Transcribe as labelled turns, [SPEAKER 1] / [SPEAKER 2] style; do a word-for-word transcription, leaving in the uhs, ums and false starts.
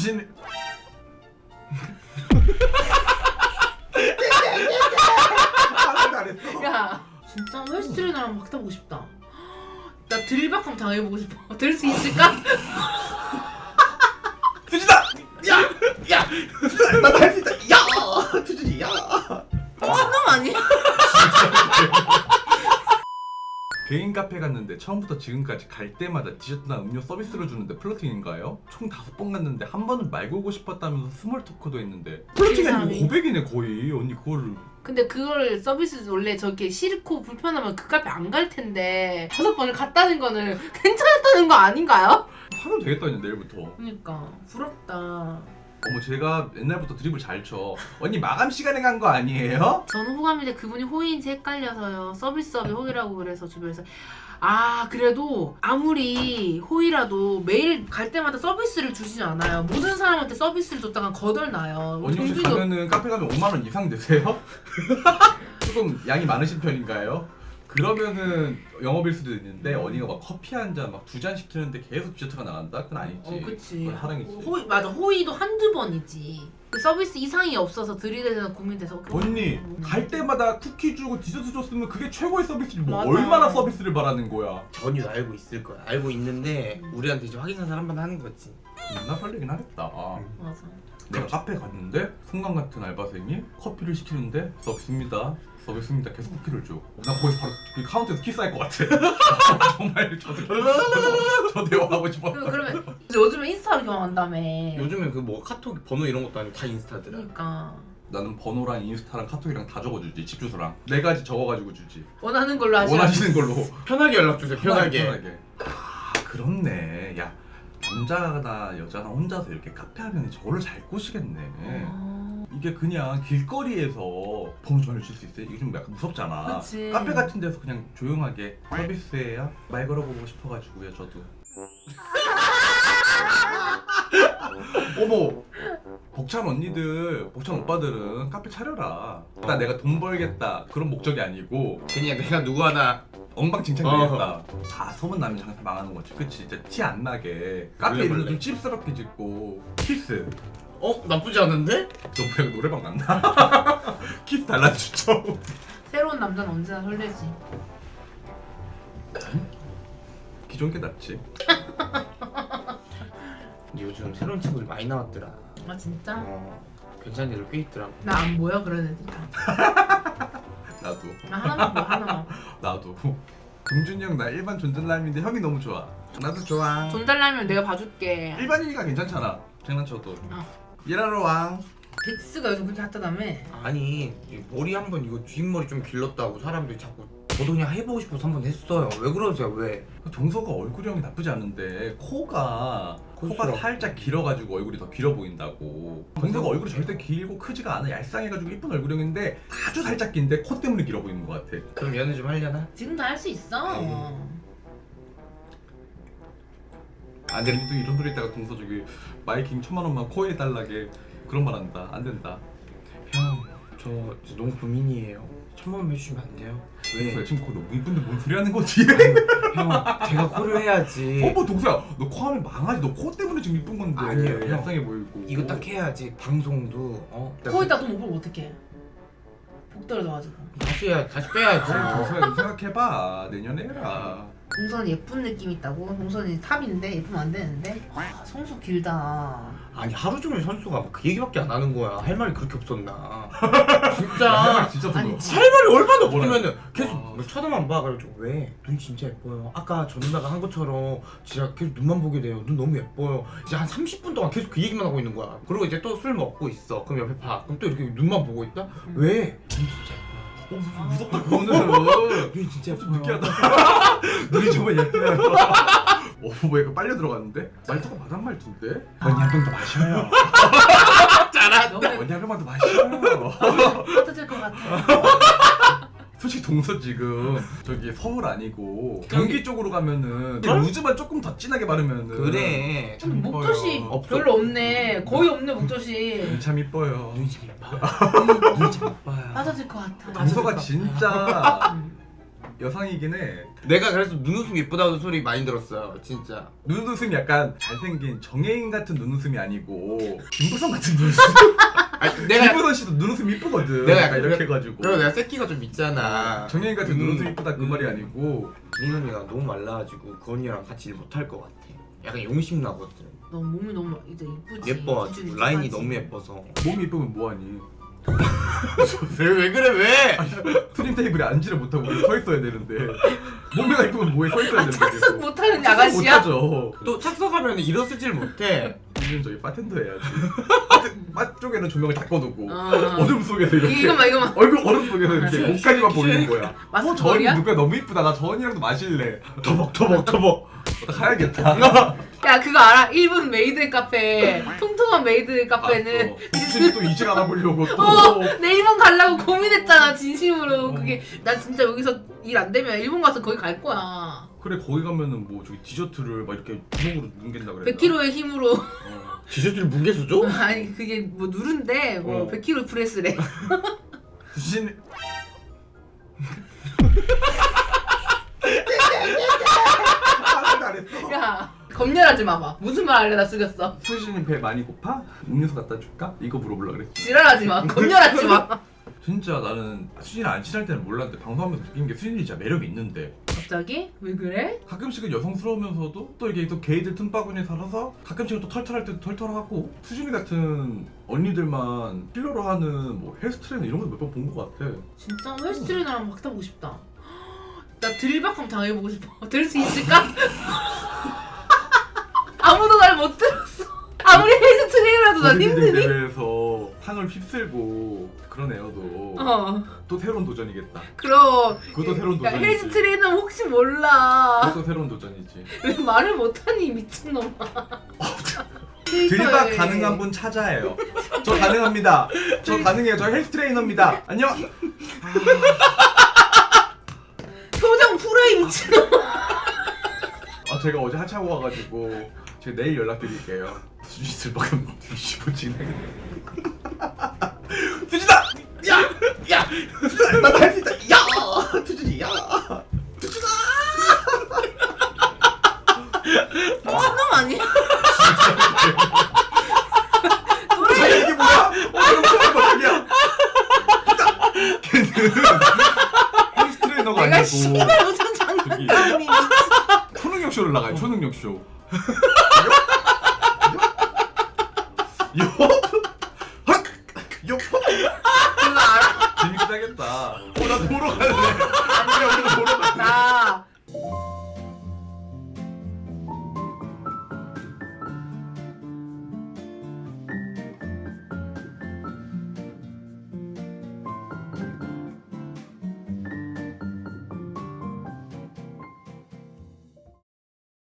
[SPEAKER 1] 주신. 잘했어.
[SPEAKER 2] 야 진짜 헬스트레이너 나랑 막 타보고 싶다. 나 들박함 당해보고 싶어. 들 수 있을까?
[SPEAKER 1] 투진아! 야! 야! 투진아! 나도 할 수 있다! 야! 투진이 야!
[SPEAKER 2] 미친놈 아니야?
[SPEAKER 1] 개인 카페 갔는데 처음부터 지금까지 갈 때마다 디저트나 음료 서비스로 주는데 플러팅인가요? 총 다섯 번 갔는데 한 번은 말 걸고 싶었다면서 스몰 토크도 했는데 플러팅이 아니고 고백이네 거의. 언니 그거를
[SPEAKER 2] 근데 그걸 서비스 원래 저렇게 싫고 불편하면 그 카페 안 갈 텐데 다섯 번을 갔다는 거는 괜찮았다는 거 아닌가요?
[SPEAKER 1] 하면 되겠다 이제 내일부터.
[SPEAKER 2] 그러니까 부럽다.
[SPEAKER 1] 어머 제가 옛날부터 드립을 잘 쳐. 언니 마감 시간에 간 거 아니에요?
[SPEAKER 2] 저는 호감인데 그분이 호의인지 헷갈려서요. 서비스업이 호의라고 그래서 주변에서 아 그래도 아무리 호의라도 매일 갈 때마다 서비스를 주시지 않아요. 모든 사람한테 서비스를 줬다가 거덜나요.
[SPEAKER 1] 언니 혹시
[SPEAKER 2] 동준이도-
[SPEAKER 1] 가면은 카페 가면 오만 원 이상 되세요? 조금 양이 많으신 편인가요? 그러면은 영업일 수도 있는데 언니가 막 커피 한 잔 막 두 잔 시키는데 계속 디저트가 나간다? 그건 아니지.
[SPEAKER 2] 어 그치.
[SPEAKER 1] 그건 하랑이지.
[SPEAKER 2] 호의 맞아 호의도 한두 번이지. 그 서비스 이상이 없어서 들이대서 고민돼서
[SPEAKER 1] 언니
[SPEAKER 2] 음.
[SPEAKER 1] 갈 때마다 쿠키 주고 디저트 줬으면 그게 최고의 서비스지 뭐
[SPEAKER 2] 맞아.
[SPEAKER 1] 얼마나 서비스를 바라는 거야.
[SPEAKER 3] 전혀 알고 있을 거야. 알고 있는데 우리한테 이제 확인 사살 한번 하는 거지.
[SPEAKER 1] 나 설레긴 하겠다.
[SPEAKER 2] 맞아.
[SPEAKER 1] 내가 카페 갔는데 순간 같은 알바생이 커피를 시키는데 서비스입니다. 서비스입니다. 계속 쿠키를 줘. 나 거기서 바로 그 카운터에서 키스할 것 같아. 정말 저도 저, 저 대화하고 싶어.
[SPEAKER 2] 그, 그러면 요즘에 인스타로 경험한다며.
[SPEAKER 3] 요즘엔 그 뭐 카톡 번호 이런 것도 아니고 다 인스타더라.
[SPEAKER 2] 그러니까
[SPEAKER 1] 나는 번호랑 인스타랑 카톡이랑 다 적어주지. 집 주소랑 네 가지 적어가지고 주지.
[SPEAKER 2] 원하는 걸로 하시.
[SPEAKER 1] 원하시는 걸로.
[SPEAKER 3] 편하게 연락 주세요. 편하게.
[SPEAKER 1] 편하게. 아 그렇네. 야 남자나 여자나 혼자서 이렇게 카페 하면 저거를 잘 꼬시겠네.
[SPEAKER 2] 어...
[SPEAKER 1] 이게 그냥 길거리에서 번호 전해줄 수 있어요? 이게 좀 약간 무섭잖아.
[SPEAKER 2] 그치.
[SPEAKER 1] 카페 같은 데서 그냥 조용하게 서비스예요? 말 걸어보고 싶어가지고요 저도. 어머 벅찬 언니들 벅찬 오빠들은 카페 차려라. 나 내가 돈 벌겠다 그런 목적이 아니고
[SPEAKER 3] 그냥 내가 누구 하나
[SPEAKER 1] 엉망진창
[SPEAKER 3] 어.
[SPEAKER 1] 되겠다. 다 소문나면 장사 망하는 거지. 그치? 진짜 티 안 나게 카페
[SPEAKER 3] 원래,
[SPEAKER 1] 이름도
[SPEAKER 3] 원래.
[SPEAKER 1] 좀 찝스럽게 짓고 키스.
[SPEAKER 3] 어? 나쁘지 않은데?
[SPEAKER 1] 너 뭐야 노래방 갔나? 키스 달라 추천.
[SPEAKER 2] 새로운 남자는 언제나 설레지.
[SPEAKER 1] 기존 게 낫지.
[SPEAKER 3] 근데 요즘 새로운 친구들 많이 나왔더라.
[SPEAKER 2] 아 진짜?
[SPEAKER 3] 어, 괜찮은 애들 꽤 있더라고.
[SPEAKER 2] 나 안 보여 그런 애들 다.
[SPEAKER 1] 나도.
[SPEAKER 2] 나 하나만 봐 하나만.
[SPEAKER 1] 나도. 동준이 형 나 일반 존잘남인데 형이 너무 좋아. 나도 좋아.
[SPEAKER 2] 돈 달라면 내가 봐줄게.
[SPEAKER 1] 일반인이가 괜찮잖아. 장난쳐도.
[SPEAKER 2] 어.
[SPEAKER 1] 일하러 왕.
[SPEAKER 2] 덱스가 요즘 그렇게 핫하다며?
[SPEAKER 3] 아니 이 머리 한번 이거 뒷머리 좀 길렀다고 사람들이 자꾸 저도 그냥 해보고 싶어서 한번 했어요. 왜 그러세요? 왜?
[SPEAKER 1] 동서가 얼굴형이 나쁘지 않은데 코가 코가
[SPEAKER 3] 코스럽고.
[SPEAKER 1] 살짝 길어가지고 얼굴이 더 길어 보인다고. 동서가 얼굴이 절대 길고 크지가 않아. 얄쌍해가지고 이쁜 얼굴형인데 아주 살짝 긴데 코 때문에 길어 보이는 것 같아.
[SPEAKER 3] 그럼 연애 좀 하려나?
[SPEAKER 2] 지금 다 할 수 있어.
[SPEAKER 1] 안 돼. 또 이런 소리 했다가 동서 저기 마이킹 천만 원만 코에 달라게 그런 말 한다. 안 된다.
[SPEAKER 3] 형, 저, 저 너무 고민이에요. 천만 원 해주시면 안 돼요?
[SPEAKER 1] 동서야
[SPEAKER 3] 왜?
[SPEAKER 1] 지금 코 너무 이쁜데 뭔 소리 하는 거지?
[SPEAKER 3] 형, 제가 코를 해야지.
[SPEAKER 1] 어머 동서야 너 코 하면 망하지. 너 코 때문에 지금 이쁜 건데.
[SPEAKER 3] 아니에요, 형.
[SPEAKER 1] 얄쌍해 보이고.
[SPEAKER 3] 이거 딱 해야지. 방송도 어.
[SPEAKER 2] 거기다 돈 못 벌면 어떡해? 복 떨어져가지고.
[SPEAKER 3] 다시 해야 다시 빼야지.
[SPEAKER 1] 동서야 너 생각해봐. 내년에 해라.
[SPEAKER 2] 동선 예쁜 느낌 있다고? 동선이 탑인데 예쁘면 안 되는데? 와 성수 길다.
[SPEAKER 3] 아니 하루 종일 선수가 그 얘기밖에 안 하는 거야. 할 말이 그렇게 없었나? 진짜.
[SPEAKER 1] 진짜
[SPEAKER 2] 아니,
[SPEAKER 1] 부러워.
[SPEAKER 2] 지-
[SPEAKER 3] 할 말이 얼마나
[SPEAKER 1] 뭐라
[SPEAKER 3] 없으면은 계속
[SPEAKER 1] 와.
[SPEAKER 3] 뭐 쳐다만 봐. 그래가지고 왜? 눈 진짜 예뻐요. 아까 저 누나가 한 것처럼 진짜 계속 눈만 보게 돼요. 눈 너무 예뻐요. 이제 한 삼십 분 동안 계속 그 얘기만 하고 있는 거야. 그리고 이제 또 술 먹고 있어. 그럼 옆에 봐. 그럼 또 이렇게 눈만 보고 있다?
[SPEAKER 2] 음.
[SPEAKER 3] 왜? 눈 진짜 예뻐요.
[SPEAKER 1] 어 무슨 무섭다 그거는.
[SPEAKER 3] 눈이 진짜
[SPEAKER 1] 좀
[SPEAKER 3] 예뻐요.
[SPEAKER 1] 느끼하다. 눈이 정말 예쁘네요. 어, 뭐 약간 빨려 들어갔는데? 말투가 마담 말투인데? 언니 한 병 더 마셔요.
[SPEAKER 2] 너무
[SPEAKER 1] 언니 한 병만 더 마셔요.
[SPEAKER 2] 따뜻할 것 같아.
[SPEAKER 1] 솔직히 동서 지금 저기 서울 아니고
[SPEAKER 3] 저기-
[SPEAKER 1] 경기 쪽으로 가면은
[SPEAKER 3] 어?
[SPEAKER 1] 루즈만 조금 더 진하게 바르면은
[SPEAKER 3] 그래.
[SPEAKER 2] 좀 목젖이
[SPEAKER 1] 이뻐요.
[SPEAKER 3] 없어.
[SPEAKER 2] 별로 없네. 거의 없네 목젖이.
[SPEAKER 1] 참 이뻐요.
[SPEAKER 3] 눈이 참 예뻐요. 눈이 참 예뻐요.
[SPEAKER 2] 빠져질 것 같아.
[SPEAKER 1] 동서가 진짜
[SPEAKER 2] 음.
[SPEAKER 1] 여상이긴 해.
[SPEAKER 3] 내가 그래서 눈웃음 예쁘다는 소리 많이 들었어요 진짜.
[SPEAKER 1] 눈웃음이 약간 잘생긴 정혜인 같은 눈웃음이 아니고 김부선 같은 눈웃음.
[SPEAKER 3] 아니, 내가
[SPEAKER 1] 김부선 씨도 눈웃음 이쁘거든.
[SPEAKER 3] 내가
[SPEAKER 1] 약간
[SPEAKER 3] 약간
[SPEAKER 1] 이렇게 해가지고.
[SPEAKER 3] 그리고 내가 새끼가 좀 있잖아.
[SPEAKER 1] 정혜인 같은
[SPEAKER 3] 음,
[SPEAKER 1] 눈웃음 이쁘다 그
[SPEAKER 3] 음.
[SPEAKER 1] 말이 아니고.
[SPEAKER 3] 이 언니가 너무 말라가지고 그 언니랑 같이 일 못할 것 같아. 약간 용심 나거든.
[SPEAKER 2] 너 몸이 너무 이제 이쁘지.
[SPEAKER 3] 예뻐가지고
[SPEAKER 2] 기준이
[SPEAKER 3] 라인이
[SPEAKER 2] 좋아하지.
[SPEAKER 3] 너무 예뻐서.
[SPEAKER 1] 몸이 이쁘면 뭐하니?
[SPEAKER 3] 왜, 왜 그래 왜?
[SPEAKER 1] 스님 테이블에 앉지를 못하고 우리 서 있어야 되는데 몸매가 이쁘면 뭐에 서 있어야 되는데
[SPEAKER 2] 착석 못하는
[SPEAKER 1] 착석
[SPEAKER 2] 아가씨야?
[SPEAKER 1] 못하죠.
[SPEAKER 3] 또 착석하면 일어서질 못해.
[SPEAKER 1] 우리는 저기 바텐더 해야지. 바 쪽에는 조명을 다 꺼놓고
[SPEAKER 2] 어.
[SPEAKER 1] 어둠 속에서 이렇게
[SPEAKER 2] 이거만 이거만.
[SPEAKER 1] 얼굴 얼음 속에서 이렇게 목까지만 보이는 거야. 어, 저 언니
[SPEAKER 2] 마스크걸이야?
[SPEAKER 1] 누가 너무 이쁘다. 나 저 언니랑도 마실래.
[SPEAKER 3] 터벅 터벅 터벅.
[SPEAKER 1] 가야겠다.
[SPEAKER 2] 야 그거 알아? 일본 메이드 카페 통통한 메이드 카페는
[SPEAKER 1] 혹시 또 이직 알아보려고 또.
[SPEAKER 2] 어, 내 일본 가려고 고민했잖아 진심으로. 그게 나 진짜 여기서 일 안 되면 일본 가서 거기 갈 거야.
[SPEAKER 1] 그래 거기 가면은 뭐 저기 디저트를 막 이렇게 구멍으로 누른다 그래.
[SPEAKER 2] 백 킬로그램의 힘으로.
[SPEAKER 1] 어.
[SPEAKER 3] 디저트를 뭉개서 줘?
[SPEAKER 2] 아니 그게 뭐 누른데 뭐
[SPEAKER 3] 어.
[SPEAKER 2] 백 킬로그램 프레스래.
[SPEAKER 1] 수진. 잘했어.
[SPEAKER 2] 야 검열하지 마봐. 무슨 말 하려다 숙였어.
[SPEAKER 1] 수진이 배 많이 고파? 음료수 갖다 줄까? 이거 물어보려고 그랬지.
[SPEAKER 2] 지랄하지 마. 검열하지 마.
[SPEAKER 1] 진짜 나는 수진이랑 안 친할 때는 몰랐는데 방송하면서 느낀 게 수진이 진짜 매력이 있는데
[SPEAKER 2] 갑자기? 왜 그래?
[SPEAKER 1] 가끔씩은 여성스러우면서도 또 이게 또 게이들 틈바구니에 살아서 가끔씩은 또 털털할 때도 털털하고 수진이 같은 언니들만 필러로 하는 뭐 헬스트레이너 이런 거 몇 번 본 것 같아.
[SPEAKER 2] 진짜 헬스 트레이너랑 막 타보고 싶다. 나 들박함 당해보고 싶어. 들 수 있을까? 아무도 날 못 들었어. 아무리 헬스 트레이너라도 난
[SPEAKER 1] 보디빌딩
[SPEAKER 2] 힘드니?
[SPEAKER 1] 대회에서 상을 휩쓸고 그런 애여도
[SPEAKER 2] 어.
[SPEAKER 1] 또 새로운 도전이겠다.
[SPEAKER 2] 그럼.
[SPEAKER 1] 그것도 새로운
[SPEAKER 2] 야,
[SPEAKER 1] 도전이지.
[SPEAKER 2] 헬스 트레이너 혹시 몰라.
[SPEAKER 1] 그것도 새로운 도전이지.
[SPEAKER 2] 왜 말을 못하니 미친놈아.
[SPEAKER 1] 들박 가능한 분 찾아요. 저 가능합니다. 저 가능해요. 저 헬스 트레이너입니다. 안녕.
[SPEAKER 2] 표정 풀어이 미친놈아.
[SPEAKER 1] 아 제가 어제 하차하고 와가지고 제가 내일 연락드릴게요. 수지 들박은 뒤집어지네. 수진아! 야! 야! 수진아! 나도 할 수 있다! 야! 수진이 야!
[SPEAKER 2] 미친놈 아니야?
[SPEAKER 1] 자 이게 뭐야? 어 그럼 처음 봐 자기야. 걔는 헬스 트레이너가
[SPEAKER 2] 내가
[SPEAKER 1] 아니고
[SPEAKER 2] 씨발 무슨 장난감이
[SPEAKER 1] 초능력 쇼를 나가요. 초능력 쇼. 요?